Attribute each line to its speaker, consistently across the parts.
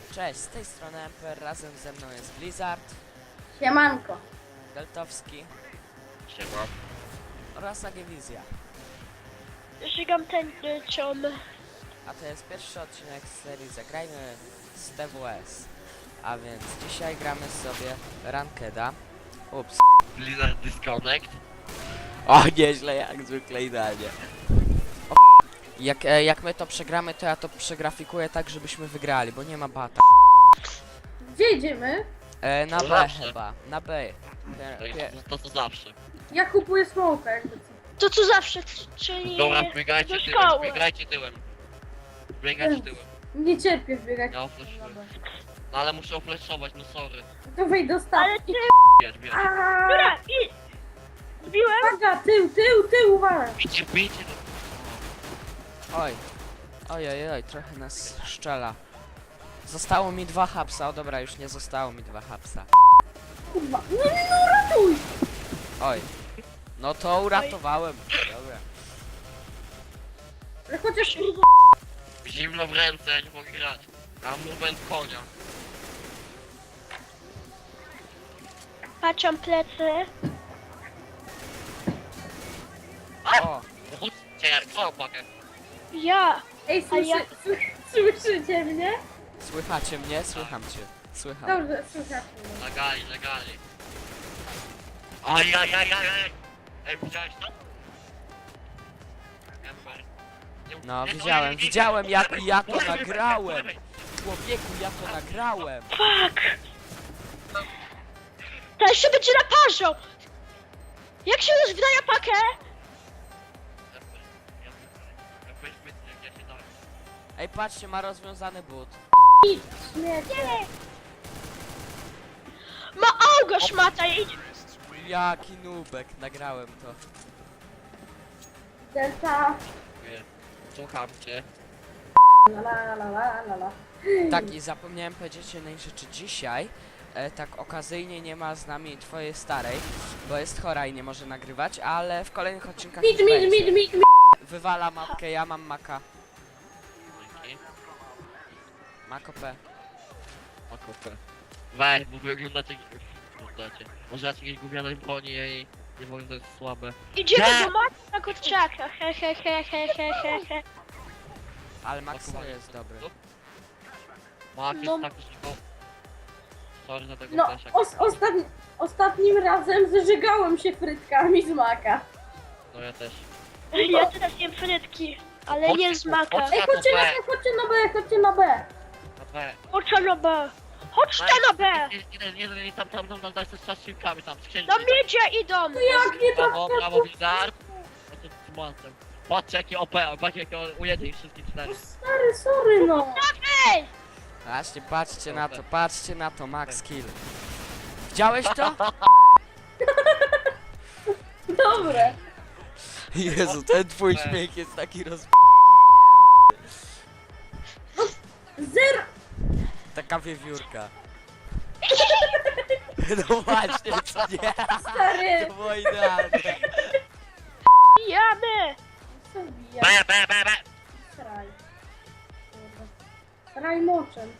Speaker 1: Cześć, z tej strony Emper, razem ze mną jest Blizzard,
Speaker 2: Siemanko.
Speaker 1: Deltowski
Speaker 3: Siema.
Speaker 1: oraz Agiewizja.
Speaker 4: Żygam tęczą.
Speaker 1: A to jest pierwszy odcinek z serii Zagrajmy z TWS. A więc dzisiaj gramy sobie Rankeda. Ups.
Speaker 3: Blizzard Disconnect.
Speaker 1: O, nieźle, jak zwykle idealnie. O, jak my to przegramy, to ja to przegrafikuję tak, żebyśmy wygrali, bo nie ma bata.
Speaker 2: Gdzie idziemy?
Speaker 1: Na
Speaker 3: To
Speaker 1: B
Speaker 3: zawsze.
Speaker 1: chyba, na B.
Speaker 3: To co zawsze.
Speaker 2: Ja kupuję smoka jakby co.
Speaker 4: To co zawsze, czyli
Speaker 3: Dobra, biegajcie
Speaker 4: do
Speaker 3: tyłem,
Speaker 4: szkoły.
Speaker 3: biegajcie tyłem. Biegajcie tyłem.
Speaker 2: Nie cierpię wbiegać.
Speaker 3: Ja ofleszuję. No ale muszę ofleszować, no sorry.
Speaker 2: To wejdź do
Speaker 4: Ale
Speaker 2: stawki.
Speaker 4: ty,
Speaker 3: Bierz.
Speaker 4: dobra, i zbiłem.
Speaker 2: Uwaga, tył, uwaga.
Speaker 3: Bijcie.
Speaker 1: Oj. Oj, trochę nas szczela. Zostało mi 2 hapsa, o dobra, już nie zostało mi 2 hapsa.
Speaker 2: Kurwa. Nie, no ratuj.
Speaker 1: Oj. No to uratowałem. Dobra.
Speaker 2: Ale chociaż kurwa.
Speaker 3: Zimno w ręce, ja nie mogę grać. Mam movement konia.
Speaker 4: Patrzam plecy.
Speaker 1: O,
Speaker 3: Chodźcie, jak co pakę.
Speaker 4: Ja.
Speaker 2: Ej,
Speaker 4: A ja-
Speaker 2: słyszycie mnie?
Speaker 1: słychacie mnie? Słycham cię. Słycham.
Speaker 2: Dobrze, słychać mnie.
Speaker 3: Legali. Ajajajajaj. Ej, widziałeś to? Ember.
Speaker 1: No,
Speaker 3: Nie,
Speaker 1: widziałem jak ja to
Speaker 3: Lewej,
Speaker 1: nagrałem.
Speaker 3: lewej.
Speaker 1: Człowieku, ja to nagrałem.
Speaker 4: Fuck. To jeszcze będzie naparzał. Jak się już wydaje pakę?
Speaker 3: Ember, ja weź wytnę, jak ja się dałem.
Speaker 1: Ej, patrzcie, ma rozwiązany but.
Speaker 2: Idź, śmiecie.
Speaker 4: Ma augo szmata, idź.
Speaker 1: Jaki nubek, nagrałem to.
Speaker 2: Delta.
Speaker 3: Dziękuję. Słucham cię.
Speaker 2: La.
Speaker 1: Tak, i zapomniałem powiedzieć jednej rzeczy. Dzisiaj, tak okazyjnie nie ma z nami twojej starej, bo jest chora i nie może nagrywać, ale w kolejnych odcinkach już będzie.
Speaker 2: Mid.
Speaker 1: Wywala mapkę, ja mam maka.
Speaker 3: Dzięki.
Speaker 1: Mako P.
Speaker 3: O kupę. Weź, bo wy oglądacie. Może ja jakieś gówniane broni i nie mogę, to jest słabe.
Speaker 4: Idziemy
Speaker 3: Nie.
Speaker 4: do matki na kurczaka. He.
Speaker 1: Ale Max serio jest dobry.
Speaker 3: Mak jest
Speaker 4: No.
Speaker 3: tak, że go... Sorry za tego
Speaker 2: No,
Speaker 3: flasha.
Speaker 2: ostatnim razem zażygałem się frytkami z maka.
Speaker 3: No ja też.
Speaker 4: Ja teraz jem frytki, ale nie z maka.
Speaker 2: Ej, chodźcie na B.
Speaker 3: Na B.
Speaker 4: Chodź na B. Chodź na B.
Speaker 3: Nie, tam, daj sobie z silkami tam, z księżycem.
Speaker 4: Do miedzie idą.
Speaker 2: Jak nie tak?
Speaker 3: Brawo, Blizzard. No to z mocem. Patrzcie jakie OP, patrzcie jakie ujęcie ich wszystkich czterech.
Speaker 2: Stary, sorry no.
Speaker 4: Ej!
Speaker 1: Właśnie, patrzcie na to, Max kill. Widziałeś to?
Speaker 2: Dobre.
Speaker 1: Jezu, ten twój śmiech jest taki
Speaker 2: Zero.
Speaker 1: Taka wiewiórka. No właśnie, co nie?
Speaker 2: Stary.
Speaker 1: To było idealne.
Speaker 4: Jamy!
Speaker 2: Co wbija?
Speaker 3: B.
Speaker 2: Sraj. Sraj moczem.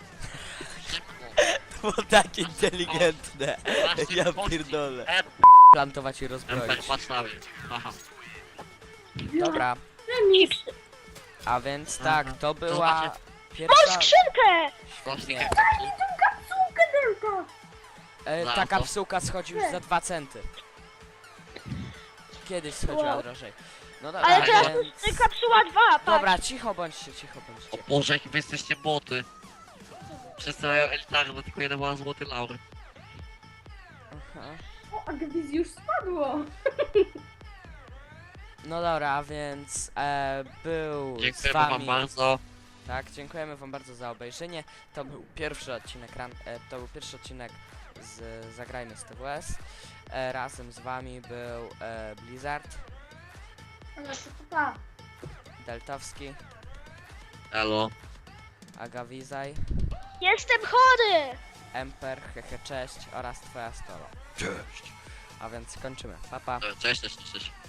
Speaker 1: To było tak inteligentne. Ja pierdolę. Plantować i
Speaker 3: Ember,
Speaker 1: rozbroić.
Speaker 3: patrz na mnie. Haha.
Speaker 1: Dobra,
Speaker 2: Remis.
Speaker 1: a więc tak, to była
Speaker 4: Mam
Speaker 1: pierwsza...
Speaker 4: skrzynkę!
Speaker 1: Świetnie.
Speaker 2: Kapsułkę Delta.
Speaker 1: Ta kapsułka schodzi już za 2 centy. Kiedyś schodziła
Speaker 4: Wow.
Speaker 1: drożej. No dobra,
Speaker 4: Ale teraz
Speaker 1: więc...
Speaker 4: kapsuła 2, patrz.
Speaker 1: Dobra, cicho bądźcie.
Speaker 3: O Boże, jakie wy jesteście boty. Wszyscy mają elitarne, bo tylko jeden ma złoty laury.
Speaker 1: Aha.
Speaker 2: O, Agwiz już spadło.
Speaker 1: No dobra, a więc był z
Speaker 3: Dziękuję
Speaker 1: wami...
Speaker 3: wam bardzo.
Speaker 1: Tak, dziękujemy wam bardzo za obejrzenie. To był pierwszy odcinek, z Zagrajmy z TWS. Razem z wami był Blizzard,
Speaker 2: Ale to pa.
Speaker 1: Deltowski,
Speaker 3: Elo.
Speaker 1: Agawizaj,
Speaker 4: Jestem chory!
Speaker 1: Emper, cześć oraz twoja stolo. Cześć! A więc kończymy. Pa, pa.
Speaker 3: Cześć.